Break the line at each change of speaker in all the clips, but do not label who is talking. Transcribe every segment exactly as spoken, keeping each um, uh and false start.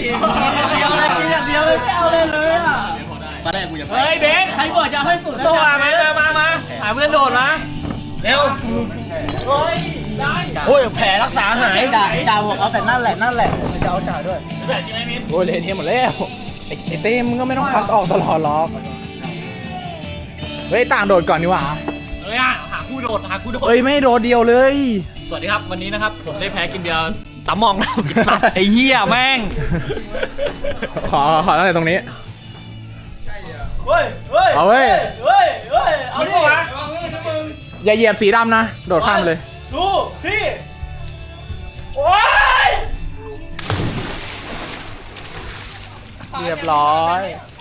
กินเดียวเลยกินอย่างเดียวเลยไม่เอาเลยเลยอ่ะตอนแรกกูจะเฮ้ยเบสใครบอกจะให้สุดโซ่มามามามาหาเพื่อนโดดมาเร็วเฮ้ยได้โอ้ยแผลรักษาหายจ่าจ่าบอกเอาแต่นั่นแหละนั่นแหละจะเอาจ่าด้วยแบบจริงไหมมิ้นโอ้ยเละเทะหมดแล้วไอ้เต้มึงก็ไม่ต้องพักออกตลอดหรอกเฮ้ยต่างโดดก่อนดีกว่าเฮ้ยหาคู่โดดหาคู่โดดเฮ้ยไม่โดดเดียวเลยสวัสดีครับวันนี้นะครับผมได้แพ้กินเดียวตามองนะไอ้เหี้ยแม่งขอขอตั้งแต่ตรงนี้เฮ้ยเฮ้ยเอาเว้ยเฮ้ยเฮ้ยเอาดิอย่าเหยียบสีดำนะโดดข้ามเลยดูพี่โอ้ยเรียบร้อย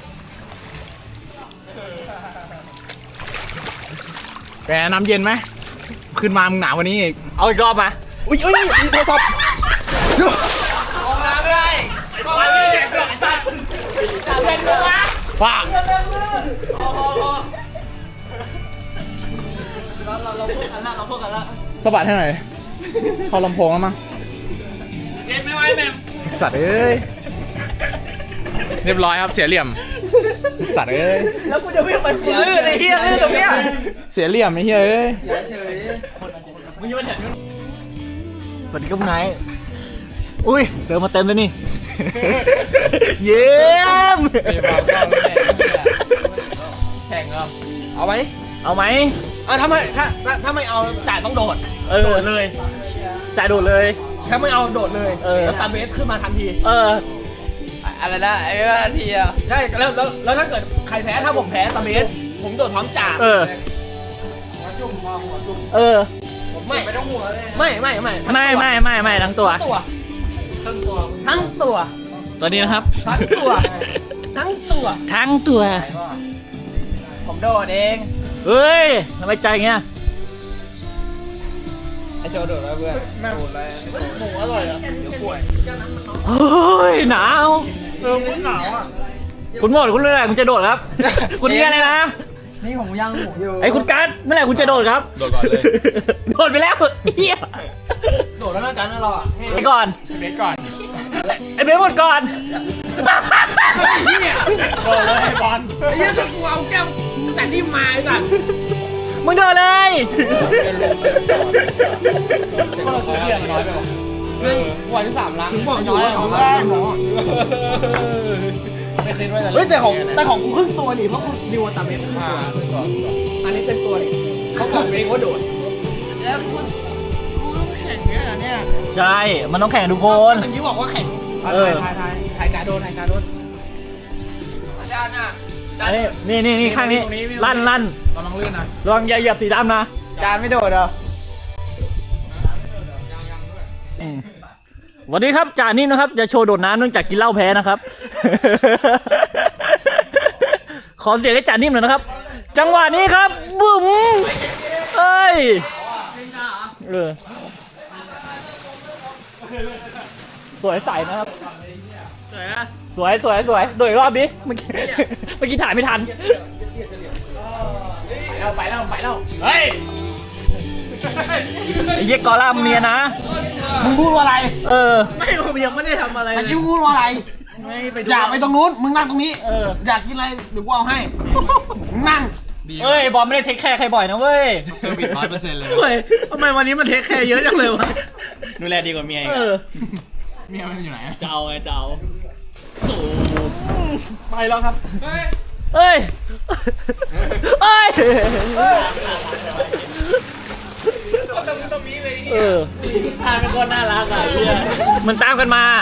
แกน้ำเย็นไหมขึ้นมามึงหนาวกว่านี้อีกเอาอีกรอบมาอุ้ยอุ้ยมีโทรศัพท์มองน้ำได้มองน้ำได้ฟ้าเราเราพูดกันละเราพูดกันละสะบัดให้หน่อยเข้าลำโพงแล้วมั้งเย็นไม่ไหวแม่สัตว์เอ้ยเรียบร้อยครับเสียเหลี่ยมสัตว์เอ้ยแล้วกูจะวิ่งไปกูลื่นไอ้เหี้ยลื่นตรงเนี้ยเสียเหลี่ยมไอ้เหี้ยเอ้ยเฉยมึงยังไม่เห็นสวัสดีครับนายอุ้ยเติมมาเต็มเลยนี่เยี่ยมแข่งเหรอเอาไหมเอาไหมเออถ้าไม่ถ้าถ้าไม่เอาจ่ายต้องโดดเออโดดเลยจ่ายโดดเลยถ้าไม่เอาโดดเลยเออแล้วตาเบสขึ้นมาทันทีเอออะไรนะไอ้ว่าทันทีอ่ะใช่แล้วแล้วแล้วถ้าเกิดใครแพ้ถ้าผมแพ้ตาเบสผมโดดพร้อมจ่าเออหัวจุ่มหัวจุ่มเออไม่ไม่ต้องหัวเลยไม่ไม่ไม่ไม่ไม่ไม่ไม่ทั้งตัวทั้งตัวทั้งตัวตัวนี้นะครับทั้งตัวทั้งตัวทั้งตัวผมโดดเองเฮ้ยทำไมใจเงี้ยไอโชว์โดดแล้วเพื่อนโดดเลยหมูอร่อยอ่ะเดี๋ยวป่วยเฮ้ยหนาวเออคุณหนาวอ่ะคุณหมดคุณเมื่อไหร่คุณจะโดดครับคุณเนี่ยอะไรนะนี่ผมย่างหมูอยู่ไอคุณกัสเมื่อไหร่คุณจะโดดครับโดดก่อนเลยโดดไปแล้วเฮียโดดแล้วนะกันนะเราอ่ะไปก่อนไอเบสก่อนไอเบสหมดก่อนเฮียโดดเลยบอลไอ้เหี้ยจะกูเอาแก้วแต่นี่มาไอ้สัสมึงโดดเลยก็เราซื้อเบียร์น้อยไปหรอเรื่องวันที่สามล้านบอกน้อยของแรกไม่คิดว่าจะเฮ้ยแต่ของแต่ของกูครึ่งตัวนี่เพราะกูดิวตาเมสครึ่งตัวอันนี้เต็มตัวนี่เขาบอกเองว่าโดดแล้วกูกูต้องแข่งเนี่ยเนี่ยใช่มันต้องแข่งทุกคนเมื่อกี้บอกว่าแข่งเออถ่ายถ่ายถ่ายการโดนถ่ายการโดนอาจารย์น่ะนี่นี่นี่ข้างนี้ลั่นลั่นลองลื่นนะลองอย่าเหยียบสีดำนะจานไม่โดดเหรอวันนี้ครับจ่านิ่มนะครับจะโชว์โดดน้ำเนื่องจากกินเหล้าแพ้นะครับขอเสียงให้จ่านิ่มหน่อยนะครับจังหวะนี้ครับบุ๋มเอ้ยเออสวยใสนะครับสวยนะสวยสวยสวยโดดอีกรอบดิเมื่อกี้เมื่อกี้ถ่ายไม่ทันไปแล้วไปแล้วไปแล้วเฮ้ยไอ้เหี้ยกอล่ามเมียนะมึงพูดว่าอะไรเออไม่ผมยังไม่ได้ทำอะไรเลยพูดว่าอะไรไม่ไปอยากไปตรงนู้นมึงนั่งตรงนี้เอออยากกินอะไรเดี๋ยวกูเอาให้นั่งเอ้ยบอลไม่ได้เทคแคร์ใครบ่อยนะเว้ยเซอร์วิสร้อยเปอร์เซ็นต์เลยเฮ้ยทำไมวันนี้มันเทคแคร์เยอะจังเลยวะดูแลดีกว่าเมียเออเมียมันอยู่ไหนเจ้าไงเจ้าไปแล้วครับเฮ้ยเฮ้ยเฮ้ยเออตามเป็นคนน่ารักอ่ะเพื่อนมันตามกันมา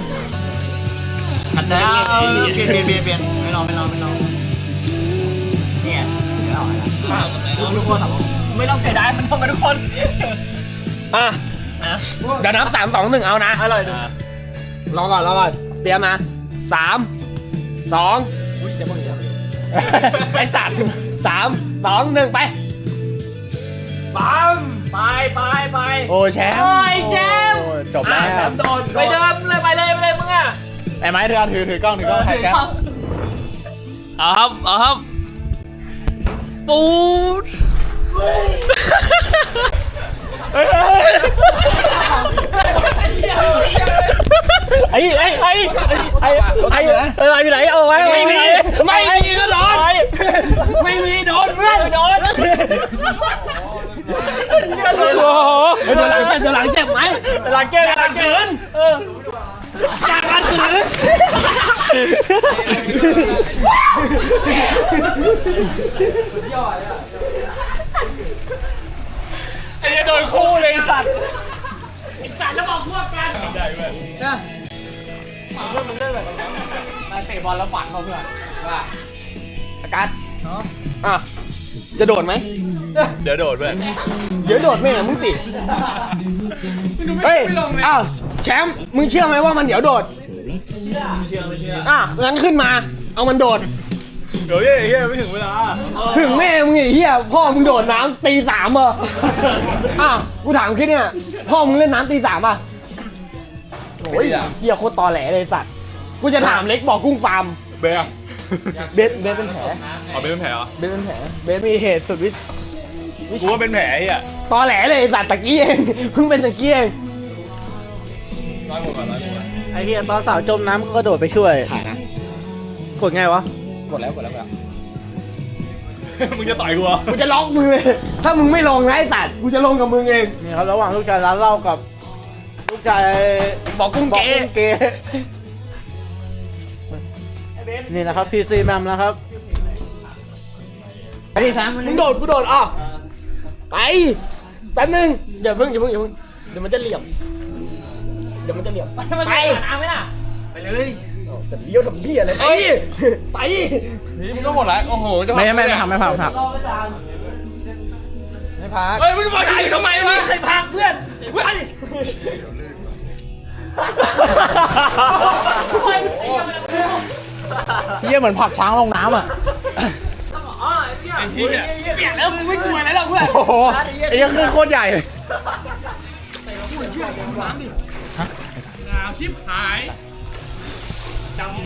อันนั้นเปลี่ยนเปลี่ยนเปลี่ยนเปลี่ยนไม่รอไม่รอไม่รอเนี่ยเอาทุกคนไม่ต้องเสียดายมันทำมาทุกคนอ่ะเดี๋ยวนับสามสองหนึ่งเอานะอร่อยดูรอก่อนรอก่อนเตรียมนะสามสองอุ้ยจะมึงจะไอ้สัตว์สามสองหนึ่งไปปั๊มไปไปไปโอ้แชมป์โอ้ยแชมป์จบแล้วแชมป์โดนไปเดิมเลยไปเลยไปเลยมึงอ่ะไอ้ไม้ถือถือถือกล้องถือกล้องถ่ายแชมป์เอาครับเอาครับปูดไอ้ไอ้ไอ้อะไรอยู่ไหนเอาไว้ไม่มีไม่มีก็โดนไม่มีโดนเพื่อนโดนโอ้โหจะหลังจะหลังเจ็บไหมจะหลังเจ็บหลังเกินเออจากการถือไอ้โดนคู่เลยสัตว์ไอ้สัตว์แล้วบอกพวกกันได้เว้ยใช่เพื่อนมันได้แบบมาเตะบอลแล้วฝันเขาเพื่อนว่าอาการอ่ะจะโดดไหมเดี๋ยวโดดเพื่อนเดี๋ยวโดดไม่เหรอมึงติเฮ้ยอ้าวแชมป์มึงเชื่อไหมว่ามันเดี๋ยวโดดเชื่อไม่เชื่ออ่ะงั้นขึ้นมาเอามันโดดเดี๋ยวเฮ้ยเฮ้ยไม่ถึงเวลาถึงแม่มึงไอ้เหี้ยพ่อมึงโดดน้ำตีสามเหรออ่ะกูถามแค่เนี่ยพ่อมึงเล่นน้ำตีสามอ่ะโอ้ยเหี้ยโคตรตอแหลเลยสัตว์กูจะถามเล็กบอกกุ้งฟาร์มเบสเบสเบสเป็นแผลอ๋อเบสเป็นแผลเหรอเบสเป็นแผลเบสมีเหตุสุดวิกูว่าเป็นแผลไอ้อ่ะตอแหลเลยสัตว์ตะกี้เองเพิ่งเป็นตะกี้เองน้อยหมดก่อนน้อยหมดไอ้เหี้ยตอนสาวจมน้ำก็กระโดดไปช่วยถ่ายนะกดไงวะกดแล้วกดแล้วกดแล้วมึงจะต่อยกูเหรอกูจะล็อกมึงเลยถ้ามึงไม่ลงนะไอ้สัตว์กูจะลงกับมึงเองนี่ครับระหว่างลูกชายร้านเหล้ากับลูกชายบอกกุ้งเก๋นี่นะครับพีซีแมมนะครับไอ้ดิครับมึงโดดกูโดดอ่ะไปแป๊บนึงอย่าเพิ่งอย่าเพิ่งอย่าเพิ่งเดี๋ยวมันจะเหลี่ยมเดี๋ยวมันจะเหลี่ยมไปเอาไหมล่ะไปเลยแต่เลี้ยวทำเหี้ยอะไรไปไปนี่มึงก็หมดแล้วโอ้โหไม่ไม่ไม่ทำไม่พักไม่พักไม่พักเฮ้ยมึงมาถ่ายทำไมวะใครพักเพื่อนไปเหี้ยเหมือนผักช้างลงน้ำอ่ะไอ้เหี้ยเปลี่ยนแล้วมึงไม่กลัวอะไรหรอกเพื่อนโอ้โหไอ้เหี้ยคือโคตรใหญ่น้ำชิบหาย